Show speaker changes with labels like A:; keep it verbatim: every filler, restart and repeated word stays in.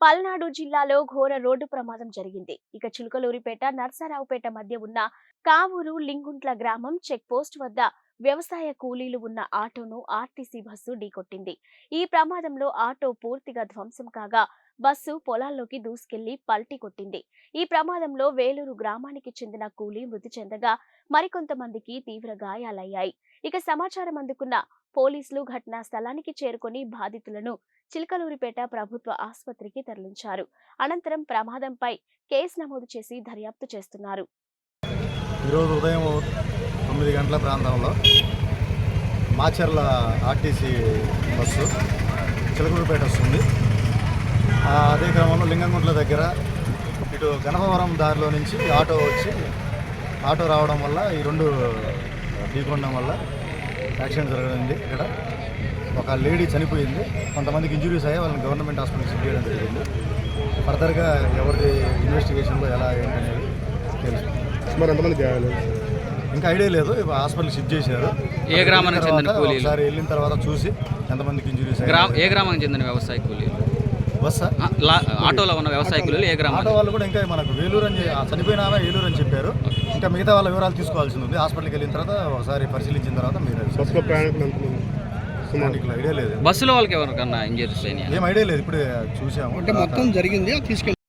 A: పల్నాడు జిల్లాలో ఘోర రోడ్డు ప్రమాదం జరిగింది. ఇక చిలుకలూరిపేట, నర్సారావుపేట మధ్య ఉన్న కావూరు లింగుంట్ల గ్రామం చెక్ పోస్ట్ వద్ద వ్యవసాయ కూలీలు ఉన్న ఆటోను ఆర్టీసీ బస్సు ఢీకొట్టింది. ఈ ప్రమాదంలో ఆటో పూర్తిగా ధ్వంసం కాగా బస్సు పొలాల్లోకి దూసుకెళ్లి పల్టీ కొట్టింది. ఈ ప్రమాదంలో వేలూరు గ్రామానికి చెందిన కూలీ మృతి చెందగా మరికొంతమందికి తీవ్ర గాయాలయ్యాయి. ఇక సమాచారం అందుకున్న పోలీసులు ఘటనా స్థలానికి చేరుకొని బాధితులను చిలకలూరిపేట ప్రభుత్వ ఆసుపత్రికి తరలించారు. అనంతరం ప్రమాదంపై కేసు నమోదు చేసి దర్యాప్తు చేస్తున్నారు.
B: ఈరోజు ఉదయం తొమ్మిది గంటల ప్రాంతంలో మాచర్ల ఆర్టీసీ బస్సు చిలకలూరిపేట వస్తుంది. అదే క్రమంలో లింగంగుంట్ల దగ్గర ఇటు గణపవరం దారిలో నుంచి ఆటో వచ్చి ఆటో రావడం వల్ల ఈ రెండు ఢీకొనడం వల్ల యాక్సిడెంట్ జరగడింది. ఇక్కడ ఒక లేడీ చనిపోయింది, కొంతమందికి ఇంజురీస్ అయ్యి వాళ్ళని గవర్నమెంట్ హాస్పిటల్కి షిఫ్ట్ చేయడం జరిగింది. ఫర్దర్గా ఎవరిది ఇన్వెస్టిగేషన్లో ఎలా ఏంటనేది తెలుసు.
C: మరి ఎంతమంది గాయాలు
B: ఇంకా ఐడియా లేదు. హాస్పిటల్ షిఫ్ట్ చేశారు.
D: ఏ గ్రామానికి చెందిన కూలీలు?
B: ఒకసారి వెళ్ళిన తర్వాత చూసి ఎంతమందికి ఇంజురీస్
D: ఏ గ్రామానికి చెందిన వ్యవసాయ కూలీలు?
B: బస్సా
D: ఆటోలో ఉన్న వ్యవసాయ కూలీలు ఏ గ్రామం?
B: ఆటో వాళ్ళు కూడా ఇంకా మనకు వేలూరు అని చనిపోయిన ఏలూరు అని చెప్పారు. ఇంకా మిగతా వాళ్ళ వివరాలు తీసుకోవాల్సి ఉంది. హాస్పిటల్కి వెళ్ళిన తర్వాత ఒకసారి పరిశీలించిన తర్వాత మీరు
C: బస్సులో ప్రయాణికులు ఎంతమంది?
B: ఐడియా లేదు.
D: బస్సులో వాళ్ళకి ఎవరికన్నా ఇంజరీస్ అయినాయి?
B: ఏం ఐడియా లేదు. ఇప్పుడే చూసాము.
C: అంటే మొత్తం జరిగింది తీసుకెళ్ళి